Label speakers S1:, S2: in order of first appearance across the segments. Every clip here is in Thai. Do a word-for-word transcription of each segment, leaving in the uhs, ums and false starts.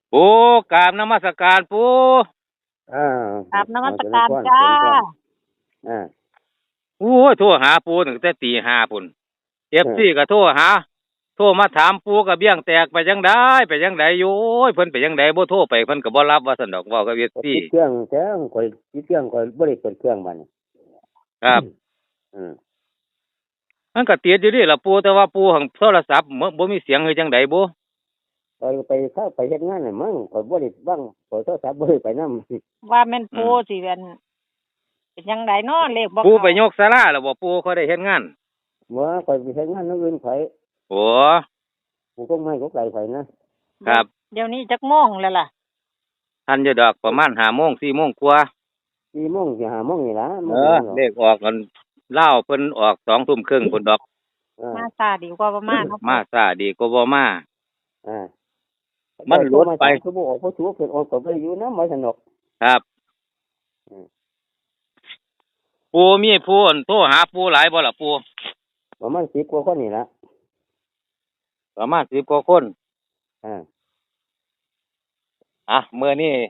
S1: ปูกราบนมัสการปู
S2: อ่า
S3: กราบนมั
S2: เอาเจริญ
S3: สการ
S2: พรเจ
S3: จ้า
S2: ริญพรอ่า
S1: โอ้ยโทรหาปูตั้งแต่ตีห้าพุ่นเอฟ
S2: เออ
S1: ซีก็โทรหาโทรมาถามปูก็เบี้ยงแตกไปจังไดไปจังไดอยู่โอ้ยเพิ่นไปจังไดบ่โทรไปเพิ่นก็บ่รับว่าซั่นดอกเว้ากับเอฟ
S2: ก็
S1: ซี
S2: ติดเครื่องแท้ข่อยติดเครื่องข่อยบ่ได้เปิดเครื่องบัดนี้
S1: ครับ
S2: อืม
S1: มันก็ติดอยู่นี่ล่ะปูแต่ว่าปูหังโทรศัพท์บ่บ่มีเสียงคือจังไดบ่
S2: ข่อยไปเข้าไปเฮ็ดงานน่ะมั้งข่อยบ่ได้บังข่อยโทรศัพท์บ่ได้ไปนำ
S3: ว่าแม่นปูสิเป็นเป็นยังไงเนาะเลขบ่
S1: ปู
S3: เข้า
S1: ไปยกศาลาแล้วบ่ปูเขาได้เฮ็ดงาน
S2: บ่ข่อยไปเฮ็ดงานนำอื่นข่อย
S1: โอ้
S2: กูก็ไม่ก็ไกลข่อยนะครับ
S3: เดี๋ยวนี้จักโมงแล้วล่ะ
S1: ทันอยู่ดอกประมาณห้าโมงสี่โมงกว่า
S2: สี่โมงสิห้าโมงนี่ล่ะ
S1: เออเลขออกกันเล่าวเพิ่นออกสองทุ่มครึ่งพุ่นดอก
S2: อ่า
S3: มาซาดีกว่าประมาณเนาะ
S1: มาซาดีกว่าบ่มา
S2: อ่า
S1: มันหลุดไป
S2: คือบ่ออกบ่ถูกเพิ่นออกก็บ่ได้อยู่นำบ่สนุก
S1: ครับ
S2: อืม
S1: ปูมีผู้อั่นโทรหาปูหลายบ่ล่ะปู
S2: ประมาณสิบกว่าคนนี่ล่ะ
S1: ประมาณสิบกว่าคน
S2: อ่า
S1: อ่ะมื้อนี้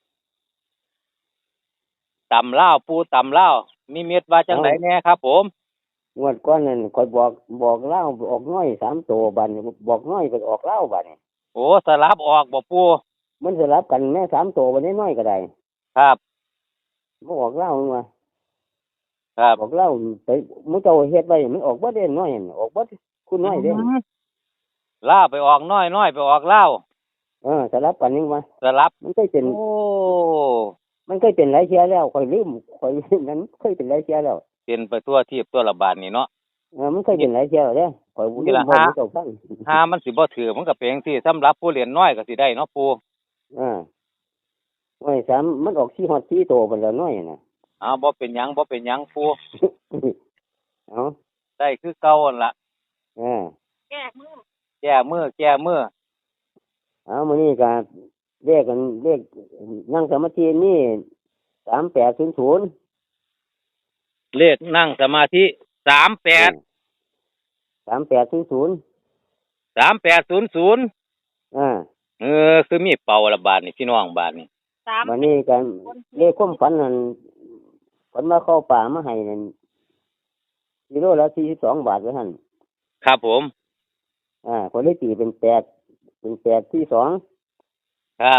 S1: ตำลาวปูตำลาวมีเม็ดว่าจังไดแน่ครับ ผม
S2: งวดก่อนนั่นข่อยบอกบอกเล่าออกน้อยสามตัวบัดนี้บอกน้อยก็ออกเล่าบัดนี้
S1: โอ้สลับออกบ่ปู
S2: มันสลับกันแม่สามตัวบัดนี้น้อยก็ได้
S1: ครับ
S2: บ่ออกเล่ามา
S1: ครับ
S2: ออกเล่าไปมื้อเจ้าเฮ็ดไว้มันออกบ่ได้น้อยนั่นออกบ่คุณน้อยเด้
S1: ลาวไปออกน้อยน้อยไปออกลาว
S2: เออสลับกันนี่มา
S1: สลับ
S2: มันเคยเป็น
S1: โอ้
S2: มันเคยเป็นหลายเที่ยแล้วข่อยลืมข่อยนั้นเคยเป็นหลายเที่ยแล้ว
S1: เป็นไปทั่วทีบทั่วระบาดนี่เนาะ
S2: เออมันเคยเป็นหลายเที่ยแล้วเด้ข่อยลืม
S1: นี่ล่ะ
S2: บ่
S1: ฮะ
S2: เจ้าฟัง
S1: ถ้ามันสิบ่ถือมันก็เป็นจังซี่สำหรับผู้เรียนน้อยก็สิได้เนาะปู
S2: อ่าน้อยสามมันออกสี่ฮอดสี่ตัวบัดแล้วน้อยน่ะ
S1: อ้าวบ่เป็นหยังบ่เป็นหยังปู
S2: เอ้า
S1: ได้คือเก่าหั่นล่ะ
S2: เออ
S3: แก้มือ
S1: แก้มือแก้มือ
S2: เอามื้อนี้ก็เลขกันเลขนั่งสมาธินี่สามแปดศูนย์ศูนย์
S1: เลขนั่งสมาธิสามแปด
S2: สามแปดศูนย์ศูนย์
S1: สามแปดศูนย์ศูนย์
S2: อ่า
S1: เออคือมีเป่าละบาทนี่พี่น้องบาทนี่
S3: สาม
S2: วันนี้กันเลขความฝันนั่นฝันมาเข้าป่ามาให้นั่นกิโลละสี่สิบสองบาทไว้หั่น
S1: ครับผม
S2: อ่าคนได้ตีเป็นแปดเป็นแปดที่สอง
S1: ครับ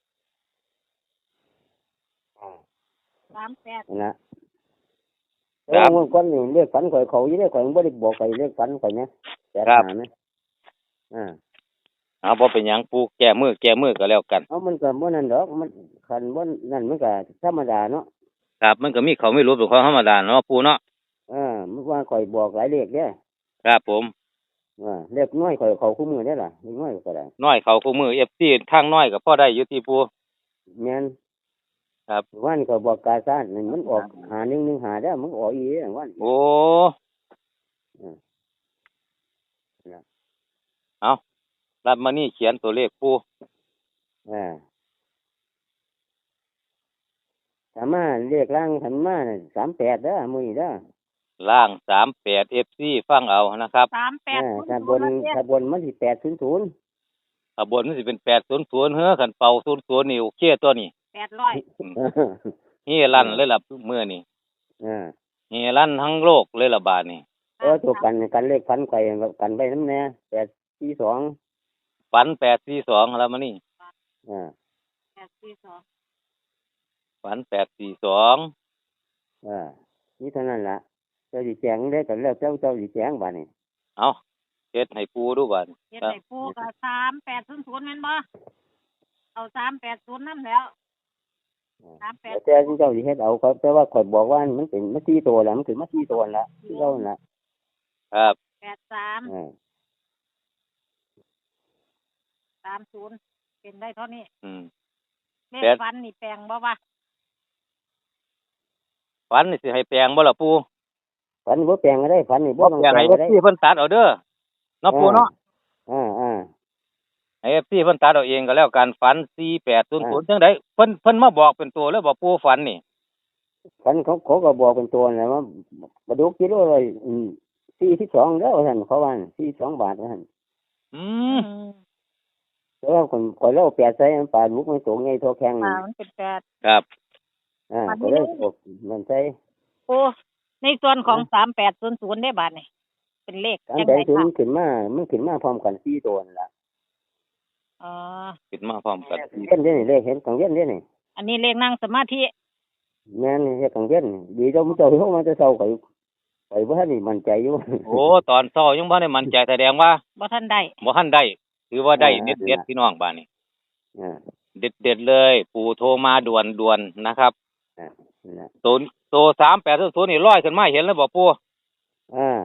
S3: สามแปด
S2: นั่นนะแล้วเมื่อก่อนนี่เลขฝันข่อยเขาอยู่ได้ข่อยบ่ได้บอกข่อยเลขฝันข่อยนะแปดหานะอ่า
S1: เอาบ่เป็นหยังปูแก้มือแก้มือก็แล้วกัน
S2: เอามันก็บ่นั่นดอกมันคันบ่นั่นมันก็ธรรมดาเนาะ
S1: ครับมันก็มีเขาไม่รู้เป็นของธรรมดาเนาะปูเนาะ
S2: อ่ามันว่าข่อยบอกหลายเลขเด้อ
S1: ครับผม
S2: อ่าเลขน้อยข่อยเขาคู่มือได้ล่ะเลขน้อยก็ได้
S1: น้อยเขาคู่มือ เอฟ ซี ทางน้อยก็พอได้อยู่ที่ปู
S2: แม่น
S1: ครับ
S2: วันก็บอกกาซ่านนั่นมันออกหาหนึ่งหนึ่งหาได้อมันออกอีเด้อวัน
S1: โอ้
S2: อืม
S1: เอารับมานี่เขียนตัวเลขปู
S2: อ่าถามมาเรียกร่างทันมาสามแปดเด้อมื้อนี้เด้อ
S1: ล่างสามแปด เอฟ ซี ฟังเอานะครับ
S3: สามแปด
S2: อ่า
S3: ศูนย์
S2: ถ้าบ
S3: ศูน
S2: น
S3: ย์แล้ว
S2: ถ้าบนมันสิแปดศูนย์ศูนย์
S1: ขบวนมันสิเป็นแปดศูนย์ศูนย์เฮ้อขันเป่าศูนย์ศูนย์นี่โอเคตัวนี้
S3: แปดร้อย
S1: เฮลั่นเลยล่ะมื้อนี้
S2: อ่า
S1: เฮลั่นทั้งโลกเลยล่ะบาดนี้
S2: เออตัวกันกันเลขฟันไข่กันไปน้ำแน่แปดสี่สอง
S1: ฝันแปดสี่สองแล้วมานี่
S2: อ่า
S3: แปดสี่สอง
S1: ฝันแปดสี่สอง
S2: อ่านี่เท่านั้นล่ะเจ้าสิแจงได้กันแล้วเจ้าเจ้าสิแจงบัดนี้
S1: เอาเฮ็ดให้ปูดูบัด
S3: เฮ็ดให้ปูก็สามแปดศูนย์ศูนย์แม่นบ่เอาสามแปดศูนย์นำแล้วสามแปด
S2: แล้วแต่เจ้าสิเฮ็ดเอาครับแต่ว่าข่อยบอกว่ามันเป็นมาสี่ตัวแล้วมันคือมาสี่ตัวละที่เจ้านั่นล่ะ
S1: ครับ
S3: แปดสาม
S2: อ่า
S3: สามศูนย์เป็นได้เท่านี้
S1: อืม
S3: เลข
S1: แปด
S3: ฟันนี่แปลงบ่วะ
S1: ฝันนี่สิให้แปลงบ่ล่ะปู
S2: ฝันบ่แปลงก็ได้ฝันนี่บ่
S1: บ่
S2: ต้อง
S1: แปลง
S2: แปล
S1: ให้
S2: งก็ได้
S1: เอฟซีเพิ่นตัดเอาเด้อเนาะปูเนาะ
S2: อ่าอ่า
S1: ให้ เอฟ ซี เพิ่นตัดเอาเองก็แล้วกันฝันสี่แปดศูนย์ศูนย์จังได๋เพิ่นเพิ่นมาบอกเป็นตัวเลยบ่ปูฝันนี่
S2: ฝันเขาเขาก็บอกเป็นตัวนะว่าปลาดุกกิโลละอืมสี่สิบสองแล้วท่านเขาว่าสี่สิบสองบาทท่าน
S1: อื
S3: อื
S1: ม
S3: ม
S2: แต่ว่าคนข่อยเล่าแปดใส่มันปลาลูกมันสูงใหญ่เท่าแข้ง
S3: ปลา
S2: นี่
S3: มันเป็นแปด
S1: ครับ
S2: อ่า
S3: มันไม่
S2: ก็เลย
S3: ได้
S2: บอกมันใส่
S3: ปูในส่วนของสามแปดศูนย์ศูนย์ได้บาทนี่เป็นเลข
S2: สาม
S3: จัง
S2: แป
S3: ไง
S2: ดศูน
S3: ค่ะ
S2: ย์ขึ้นมามันขึ้นมาพร้อมกันสี่ตัวนั่นล่ะ
S3: อ๋อ
S1: ขึ้นมาพร้อมกัน
S2: เล่นเด้นี่เลขเห็นกังเวียนเด้นี่
S3: อันนี้เลขนั่งสมาธิ
S2: แม่นเฮ็ดกังเวียนนี่ดีเจ้ามันเจ้าโทรมาแต่เช้าข่อยข่อยบ่ทันได้มั่นใจอยู่
S1: โอ้ตอนเช้ายังบ่ได้มั่นใจแสดงว่า
S3: บ่ทันได้
S1: บ่ทันได้ถือว่าได้
S2: อ่า
S1: เด็ดๆพี่น้องบ้านนี้
S2: อ่า
S1: เด็ดๆเลย ปู่โทรมาด่วนๆนะครับ
S2: อ่านั่นล่ะ
S1: ตัวตัวสามแปดศูนย์นี่ลอยขึ้นมาเห็นแล้วบ่ปู่
S2: อ่า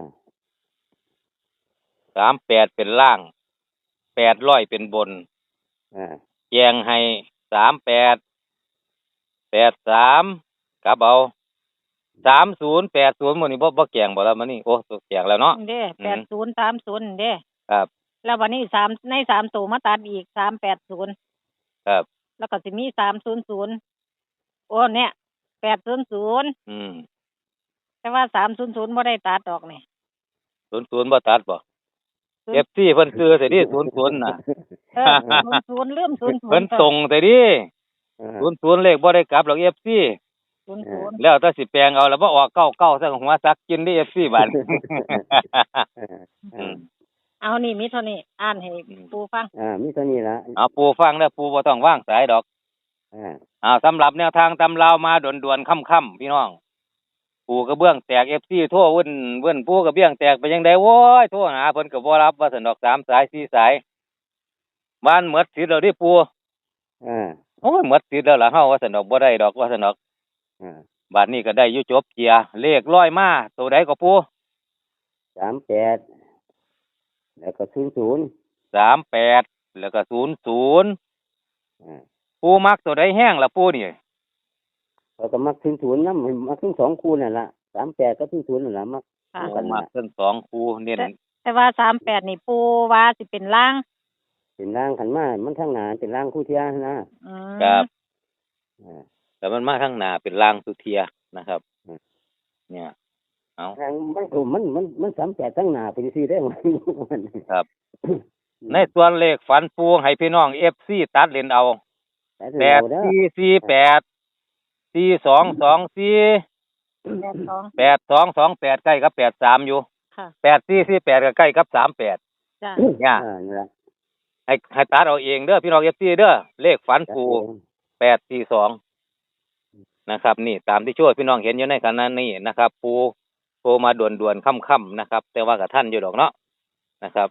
S1: สามแปดเป็นล่างแปดร้อยเป็นบน
S2: อ่า
S1: แจงให้สามแปดแปดสามกลับเอาสามศูนย์แปดศูนย์มื้อนี้บ่บ่แกงบ่แล้วมื้อนี้โอ้แกงแล้วเนาะ
S3: เด้
S1: อื
S3: แป
S1: ม
S3: ดศูนย์สามศูนย์เด้
S1: ครับ
S3: แล้ววันนี้สามในสามตัวมาตัดอีกสามแปดศูนย์
S1: ครับ
S3: แล้วก็สิมีสามศูนย์ศูนย์โอ้เนี่ยแปดศูนย์ศูนย์
S1: อืม
S3: แต่ว่าสามศูนย์ศูนย์บ่ได้ตัดดอกนี่
S1: ศูนย์ศูนย์บ่ตัดบ่
S3: ศูนย์
S1: เอฟซีเพิ่นซื้อแต่ดิศูนย์ศูนย์น่ะ
S3: เออศูนย์ศูนย์ลืมศูนย์ศูนย์
S1: เพิ่นส่งแต่ดิ
S2: อ่า
S1: ศูนย์ศูนย์เลขบ่ได้กลับหรอกเอฟซี
S3: ศูนย์ศูนย์
S1: แล้วแต่สิแปลงเอาแล้วบ่ออกเก้าเก้าซะหัวซักกินดิเอฟซีบาด
S2: อ่า
S1: อื
S2: อ่าม
S3: เอานี่มีเท่านี้อ่านให้
S1: อืม
S3: ปูฟัง
S2: อ่ามีเท่านี้ละ
S1: เอาปู่ฟังเด้อปู่บ่ต้องวางสายดอก
S2: อ่า
S1: อ้าวสำหรับแนวทางตำราวมาด่วนๆค่ำๆพี่น้องปู่กระเบื้องแตก เอฟ ซี โทรวุ่นเวิ้นปู่กระเบื้องแตกไปจังได๋โว้ยโทรหาเพิ่นก็บ่รับว่าซั่นดอกสามสายสี่สายบ้านหมดสิทธิ์แล้วดิปู่
S2: อ่า
S1: โอ้ยหมดสิทธิ์แล้วล่ะเฮาว่าซั่นดอกบ่ได้ดอกว่าซั่นดอก
S2: อ่า
S1: บัดนี้ก็ได้อยู่จบเกียร์เลขร้อยมาตัวใดก็ปู่
S2: สามแปดแล้วก็ศูนย์ศูนย์
S1: สามแปดแล้วก็ศูนย์ศูนย์
S2: อ่า
S1: ปู่มักตัวใดแห้งล่ะปู่นี่
S2: แล้วก็มักศูนย์ศูนย์นำมักทั้งสองคู่นั่นล่ะสามแปดกับศูนย์ศูนย์นั่นล่ะมัก
S3: ค่ะ
S2: เอา
S1: ผ
S2: กัน
S1: ม
S2: นั่
S1: มาน
S2: ล่ะ
S1: เส้นสองคูเน้น
S3: แต่ว่าสามแปดนี่ปูว่าสิเป็นล่าง
S2: เป็นร่างขันมามันทั้งหนาเป็นร่างคู่เทียนะ
S3: อืม
S1: ครับ
S2: อ่า
S1: แต่มันมาข้างหน้าเป็นลางสุเทียนะครับ
S2: อืม
S1: เนี่ย เอา
S2: ทางมันก็มันมันมันสามแปดทั้งหนาเป็นสี่ได้มัน
S1: ครับ ในส่วนเลขฝันปูให้พี่น้องเอฟซีตัดเล่นเอาแปดสี่สี่แปดสี่สองสองสี่
S3: แปดสอง
S1: แปดสองสองแปดใกล้กับแปดสามอยู่
S3: ค่ะ
S1: แปดสี่สี่แปดก็ใกล้กับสามแปด
S3: จ้า
S1: เนี่ย
S2: อ่านี่ล่ะ
S1: ให้ให้ตัดเอาเองเด้อพี่น้องเอฟซีเด้อเลขฝันปูแปดสี่สองนะครับ นี่ตามที่ช่วยพี่น้องเห็นอยู่ในขณะนี้นะครับ ปูโทรมาด่วนๆค่ำๆนะครับ แต่ว่ากับท่านอยู่ดอกเนาะนะครับ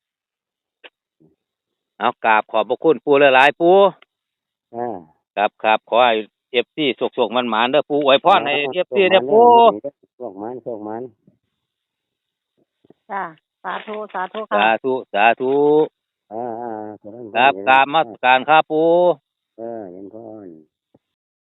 S1: เอากราบขอบพระคุณปูหลายๆปู
S2: อ่า
S1: ครับครับขอให้เอฟซีสุกๆมันหมานๆเด้อปูอวยพรให้เอฟซีเด้อปู
S2: โชคมันโชคมัน
S3: จ้าสาธุสาธุ
S1: สา
S3: ค่ะ
S1: ธุสาธุ
S2: อ่าอ่า
S1: ครับกราบมาการครับปู